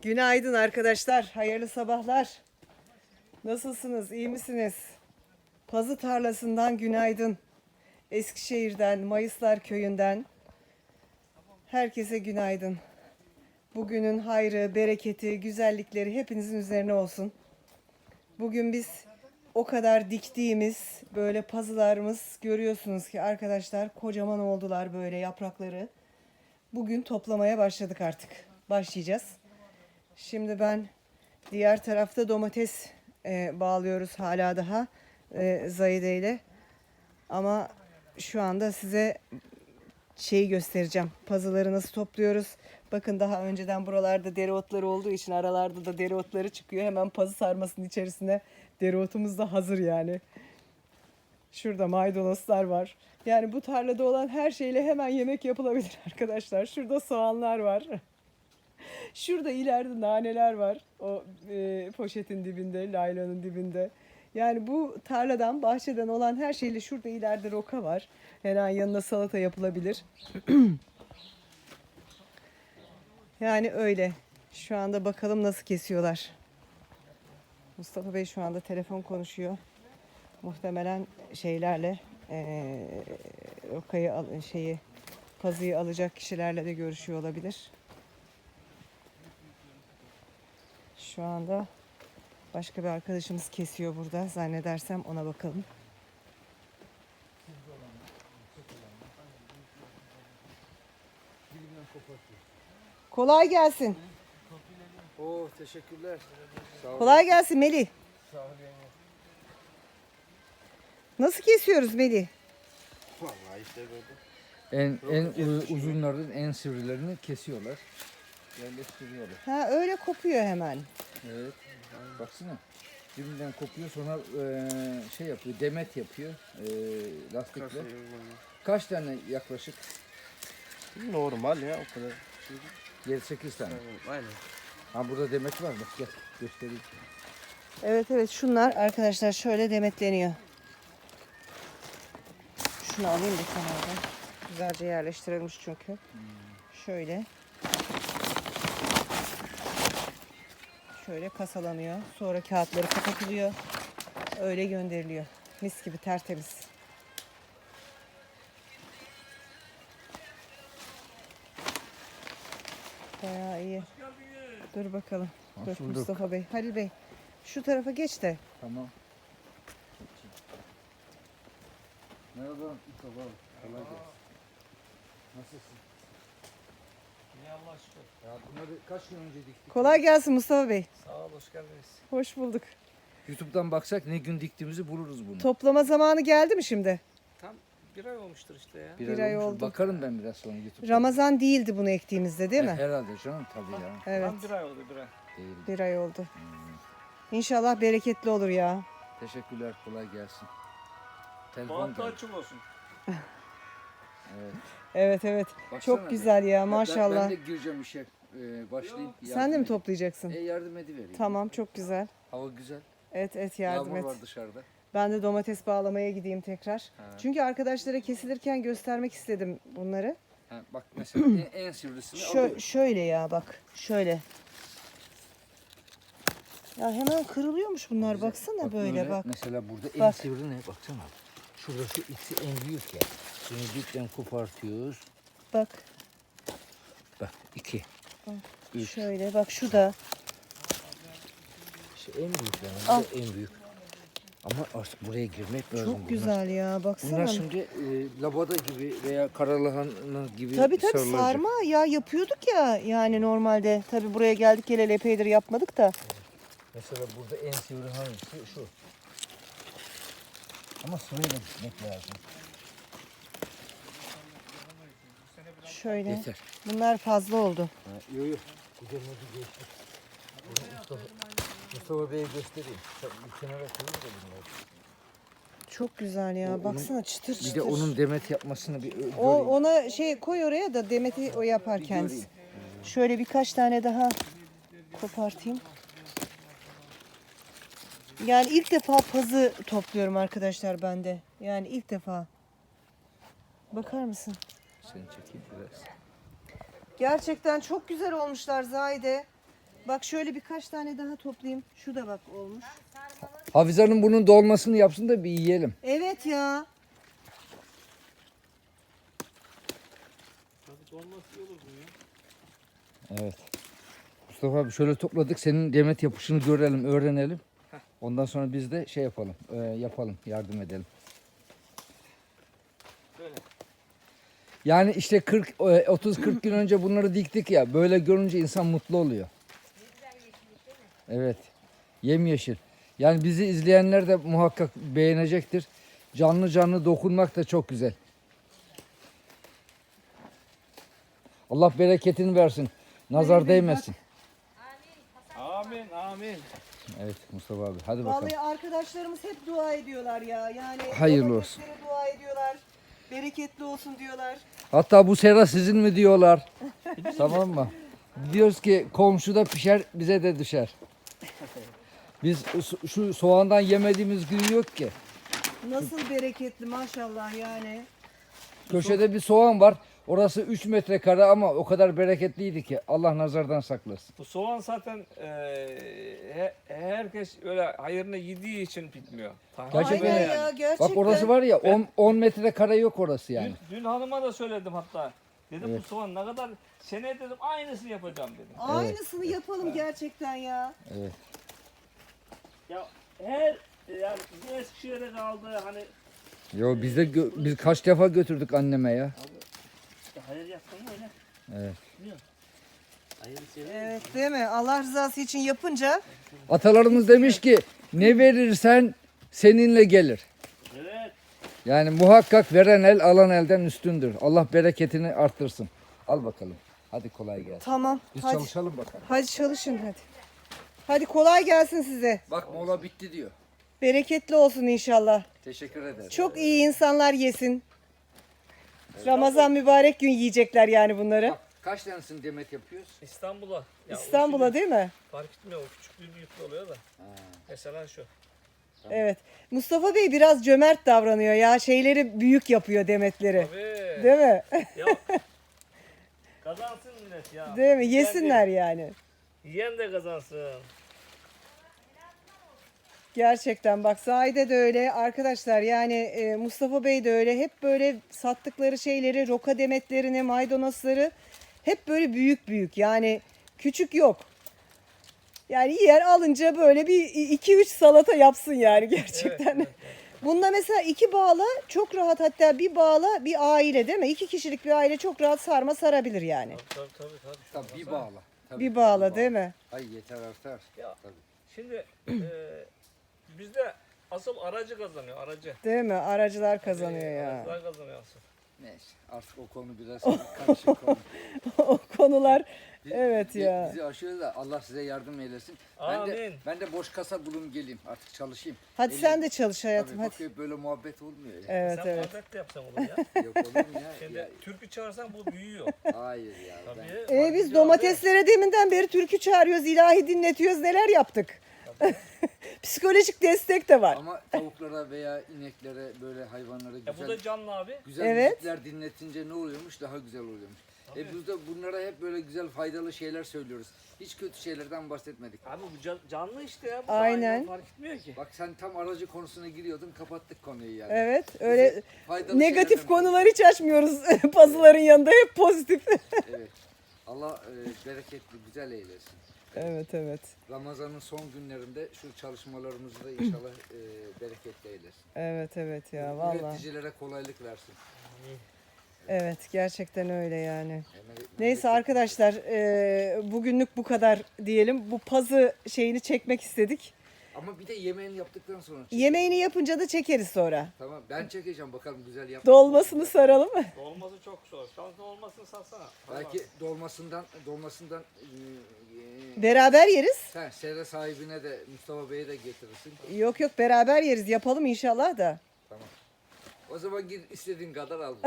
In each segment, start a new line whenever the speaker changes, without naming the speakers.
Günaydın arkadaşlar. Hayırlı sabahlar. Nasılsınız? İyi misiniz? Pazı tarlasından günaydın. Eskişehir'den, Mayıslar köyünden herkese günaydın. Bugünün hayrı, bereketi, güzellikleri hepinizin üzerine olsun. Bugün biz o kadar diktiğimiz böyle pazılarımız görüyorsunuz ki arkadaşlar kocaman oldular böyle yaprakları. Bugün toplamaya başladık artık. Başlayacağız. Şimdi ben diğer tarafta domates bağlıyoruz hala daha Zahide ile. Ama şu anda size şeyi göstereceğim. Pazıları nasıl topluyoruz. Bakın daha önceden buralarda dereotları olduğu için aralarda da dereotları çıkıyor. Hemen pazı sarmasının içerisine dereotumuz da hazır yani. Şurada maydanozlar var. Yani bu tarlada olan her şeyle hemen yemek yapılabilir arkadaşlar. Şurada soğanlar var. Şurada ileride naneler var. O poşetin dibinde, laylanın dibinde. Yani bu tarladan, bahçeden olan her şeyle şurada ileride roka var. Hemen yanına salata yapılabilir. Yani öyle. Şu anda bakalım nasıl kesiyorlar. Mustafa Bey şu anda telefon konuşuyor. Muhtemelen şeylerle rokayı pazıyı alacak kişilerle de görüşüyor olabilir. Şu anda başka bir arkadaşımız kesiyor burada. Zannedersem ona bakalım. Kolay gelsin.
Oo, teşekkürler. Sağ olun.
Kolay gelsin Melih.
Sağ olun.
Nasıl kesiyoruz Melih?
Vallahi işte böyle.
En uzunlardan en sivrilerini kesiyorlar. Yerleştiriyorlar.
Ha öyle kopuyor hemen.
Evet. Baksana. Dibinden kopuyor sonra şey yapıyor. Demet yapıyor. Lastikle. Kaç tane yaklaşık?
Normal ya o kadar.
7-8 tane.
Aynen.
Ha burada demet var. Bak gel göstereyim.
Evet şunlar arkadaşlar şöyle demetleniyor. Şunu alayım bir kenardan. Güzelce yerleştirilmiş çünkü. Şöyle. Şöyle kasalanıyor. Sonra kağıtları kapatılıyor. Öyle gönderiliyor. Mis gibi tertemiz. Bayağı iyi. Dur bakalım. Dur
Hoş bulduk.
Mustafa Bey. Halil Bey. Şu tarafa geç de.
Tamam. Merhaba Mustafa abi. Kolay gelsin. Nasılsın?
İyi Allah şükür.
Ya bunları kaç gün önce diktik?
Kolay gelsin Mustafa Bey.
Sağ ol, hoş geldiniz.
Hoş bulduk.
YouTube'dan baksak ne gün diktiğimizi buluruz bunu.
Toplama zamanı geldi mi şimdi?
Tam bir ay olmuştur işte ya.
Bir ay
olmuş.
oldu.
Bakarım ben biraz sonra YouTube'dan.
Ramazan değildi bunu ektiğimizde değil mi?
Herhalde canım tabii ya.
Evet.
Tam bir ay oldu, bir ay.
Değil.
Bir ay oldu. İnşallah bereketli olur ya.
Teşekkürler, kolay gelsin. Telefon
Bahtı
geldi.
açık olsun.
Evet.
Baksana
Çok
bir.
güzel ya
Ben
maşallah.
de gireceğim işe, başlayayım.
Sen de mi toplayacaksın?
Yardım edivereyim.
Tamam çok güzel.
Hava güzel.
Evet yardım
Yağmur
et.
var dışarıda.
Ben de domates bağlamaya gideyim tekrar.
Ha.
Çünkü arkadaşlara kesilirken göstermek istedim bunları.
Ha, bak mesela en sivrisini alıyorum.
Şöyle ya bak. Şöyle. Ya hemen kırılıyormuş bunlar.
Güzel.
Baksana böyle bak.
Mesela burada en
Bak.
sivri ne? Baksana. Şurası içi en büyük ya. Bunu dipten kopartıyoruz.
Bak.
Bak 2. Üç.
Şöyle bak şu da.
İşte en büyük yani.
Al.
Bu da en büyük. Ama artık buraya girmek lazım.
Çok güzel ya baksana.
Bunlar şimdi labada gibi veya karalahana gibi
Tabii
sarılacak.
sarma ya yapıyorduk ya yani normalde. Tabii buraya geldik geleli epeydir yapmadık da.
Mesela burada en sivri hangisi? Şu. Ama sırayla gitmek lazım.
Şöyle.
Yeter.
Bunlar fazla oldu.
Yok yok. Güzelmedi geçti. Mustafa Bey'e göstereyim. Bir kenara koyayım da bunları.
Çok güzel ya.
Onun-
Baksana çıtır çıtır.
Bir de onun demet yapmasını bir göreyim.
Ona koy oraya da Demet'i o yapar
Bir
kendisi.
göreyim.
Şöyle birkaç tane daha kopartayım. Yani ilk defa pazı topluyorum arkadaşlar ben de. Yani ilk defa. Bakar mısın?
Seni çekeyim biraz.
Gerçekten çok güzel olmuşlar Zahide. Bak şöyle birkaç tane daha toplayayım. Şu da bak olmuş.
Hafize Hanım bunun dolmasını yapsın da bir yiyelim.
Evet ya.
Tabii dolması iyi olur bu ya.
Evet. Mustafa abi şöyle topladık. Senin demet yapışını görelim, öğrenelim. Ondan sonra biz de şey yapalım, yapalım, yardım edelim.
Böyle.
Yani işte 30-40 gün önce bunları diktik ya. Böyle görünce insan mutlu oluyor. Evet. Yemyeşil. Yani bizi izleyenler de muhakkak beğenecektir. Canlı canlı dokunmak da çok güzel. Allah bereketini versin. Nazar değmesin.
Amin amin.
Evet Mustafa abi. Hadi bakalım.
Vallahi arkadaşlarımız hep dua ediyorlar ya. Yani
Hayırlı olsun.
domateslere dua ediyorlar. Bereketli olsun diyorlar.
Hatta bu sera sizin mi diyorlar. Tamam mı? Diyoruz ki komşuda pişer bize de düşer. Biz şu soğandan yemediğimiz gün yok ki.
Nasıl bereketli maşallah yani.
Köşede bir soğan var. Orası 3 metrekare ama o kadar bereketliydi ki Allah nazardan saklasın.
Bu soğan zaten herkes öyle hayırını yediği için bitmiyor.
Gerçekten
Aynen
yani.
ya gerçekten.
Bak orası var ya 10 metrekare yok orası yani.
Dün hanıma da söyledim hatta. Dedim
Evet.
bu soğan ne kadar seneye dedim aynısını yapacağım dedim.
Aynısını yapalım gerçekten ya.
Evet.
Ya her yani bizim Eskişehir'e kaldı hani
Yo biz de biz kaç defa götürdük anneme ya.
hayır yaptın mı öyle?
Evet.
Hayır sever.
Evet değil mi? Allah rızası için yapınca
Atalarımız demiş ki ne verirsen seninle gelir.
Evet.
Yani muhakkak veren el alan elden üstündür. Allah bereketini arttırsın. Al bakalım. Hadi kolay gelsin.
tamam.
Biz
Hadi.
çalışalım bakalım.
Hadi çalışın hadi. Hadi kolay gelsin size.
Bak mola bitti diyor.
Bereketli olsun inşallah.
Teşekkür ederim.
Çok iyi insanlar yesin. Ramazan mübarek gün yiyecekler yani bunları.
Bak, kaç tanesini demet yapıyoruz?
İstanbul'a. Ya
İstanbul'a değil mi?
fark etmiyor o küçüklüğü büyüklüğü oluyor da. Mesela şu.
Evet. Mustafa Bey biraz cömert davranıyor ya. Şeyleri büyük yapıyor demetleri.
Tabii.
Değil mi?
Ya kazansın millet ya.
Değil mi? Yesinler yani.
Yiyen de kazansın.
Gerçekten bak Zahide de öyle arkadaşlar yani Mustafa Bey de öyle hep böyle sattıkları şeyleri roka demetlerini maydanozları hep böyle büyük büyük yani küçük yok. Yani yer alınca böyle bir 2-3 salata yapsın yani gerçekten. Bunda mesela 2 bağla çok rahat hatta bir bağla bir aile değil mi? 2 kişilik bir aile çok rahat sarma sarabilir yani.
Tabii.
Tabii bir bağla. Tabii,
Bir bağla değil mi?
Ay yeter artar.
Ya.
Tabii.
Şimdi bizde asıl aracı kazanıyor aracı.
Değil mi? Aracılar kazanıyor ya.
Aracılar kazanıyor asıl.
Neyse artık o konu biraz karışık konu.
O konular
Biz-
evet ya.
Bizi aşıyor da Allah size yardım eylesin.
Amin.
Ben de boş kasa bulun geleyim artık çalışayım.
Hadi
Elim-
sen de çalış hayatım
Tabii
hadi.
bakıyor böyle muhabbet olmuyor ya.
Evet
Sen
evet.
muhabbet de yapsan olur ya.
Yok olur mu ya?
Şimdi
Ya,
türkü çağırsan bu büyüyor.
hayır ya.
Tabii.
Biz domateslere deminden beri türkü çağırıyoruz, ilahi dinletiyoruz, neler yaptık. Psikolojik destek de var.
Ama tavuklara veya ineklere böyle hayvanlara
Ya bu
güzel
da canlı abi.
güzel
Evet.
müzikler dinletince ne oluyormuş? Daha güzel oluyormuş. Biz de bunlara hep böyle güzel faydalı şeyler söylüyoruz. Hiç kötü şeylerden bahsetmedik.
Abi bu canlı işte ya. Bu
Aynen.
hayvan fark etmiyor ki.
Bak sen tam aracı konusuna giriyordun, kapattık konuyu yani.
Evet, öyle
Bize faydalı
negatif
şeylerden
konular hiç açmıyoruz pazıların yanında, hep pozitif.
Evet. Allah bereketli, güzel eylesin.
Evet, evet.
Ramazan'ın son günlerinde şu çalışmalarımızı da inşallah bereketli eylesin.
Evet, evet ya vallahi.
Üreticilere kolaylık versin.
Evet, gerçekten öyle yani.
Yani
Neyse arkadaşlar, bugünlük bu kadar diyelim. Bu pazı şeyini çekmek istedik.
Ama bir de yemeğini yaptıktan sonra çek.
Yemeğini yapınca da çekeriz sonra.
Tamam ben çekeceğim bakalım güzel yap.
Dolmasını saralım mı?
Dolması çok zor. Şanslı olmasını satsana.
Belki dolmasından
Beraber yeriz.
sen sera sahibine de Mustafa Bey'e de getirirsin.
Yok yok, beraber yeriz. Yapalım inşallah da.
Tamam. O zaman git istediğin kadar al.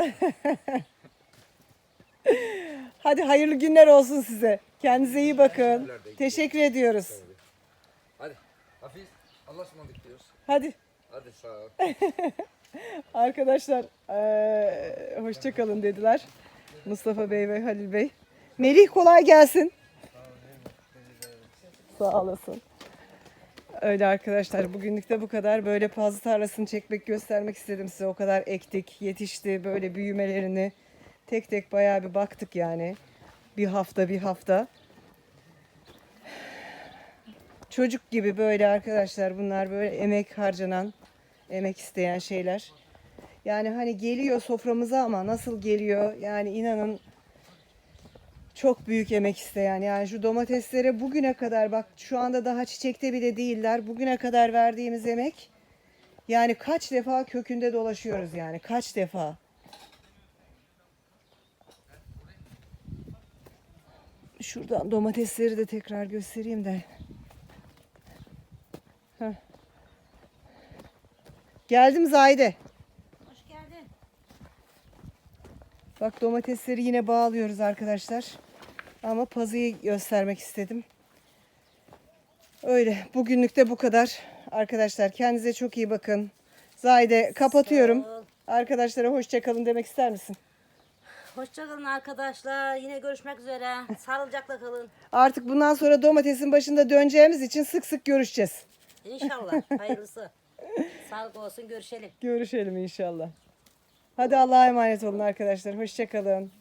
Hadi hayırlı günler olsun size. Kendinize iyi bakın.
Teşekkürler de.
Teşekkür ediyoruz.
Hadi Hafiz Allah'a ısmarladık diyoruz.
Hadi
Hadi sağ ol.
arkadaşlar, hoşça kalın dediler. Mustafa Bey ve Halil Bey. Melih kolay gelsin. Sağ olasın. Öyle arkadaşlar, bugünlük de bu kadar. Böyle pazı tarlasını çekmek, göstermek istedim size. O kadar ektik, yetişti, böyle büyümelerini tek tek bayağı bir baktık yani. Bir hafta. Çocuk gibi böyle arkadaşlar, bunlar böyle emek harcanan, emek isteyen şeyler. Yani hani geliyor soframıza ama nasıl geliyor? Yani inanın çok büyük emek isteyen. Yani şu domateslere bugüne kadar, bak şu anda daha çiçekte bile değiller. Bugüne kadar verdiğimiz emek, yani kaç defa kökünde dolaşıyoruz yani, kaç defa. Şuradan domatesleri de tekrar göstereyim de. Heh. Geldim Zahide.
Hoş geldin.
Bak domatesleri yine bağlıyoruz arkadaşlar. Ama pazıyı göstermek istedim. Öyle. Bugünlük de bu kadar. Arkadaşlar kendinize çok iyi bakın. Zahide kapatıyorum.
Sağ ol.
Arkadaşlara hoşça kalın demek ister misin?
Hoşçakalın arkadaşlar. Yine görüşmek üzere. Sağlıcakla kalın.
Artık bundan sonra domatesin başında döneceğimiz için sık sık görüşeceğiz.
İnşallah. Hayırlısı. Sağlık olsun. Görüşelim.
Görüşelim inşallah. Hadi Allah'a emanet olun arkadaşlar. Hoşça kalın.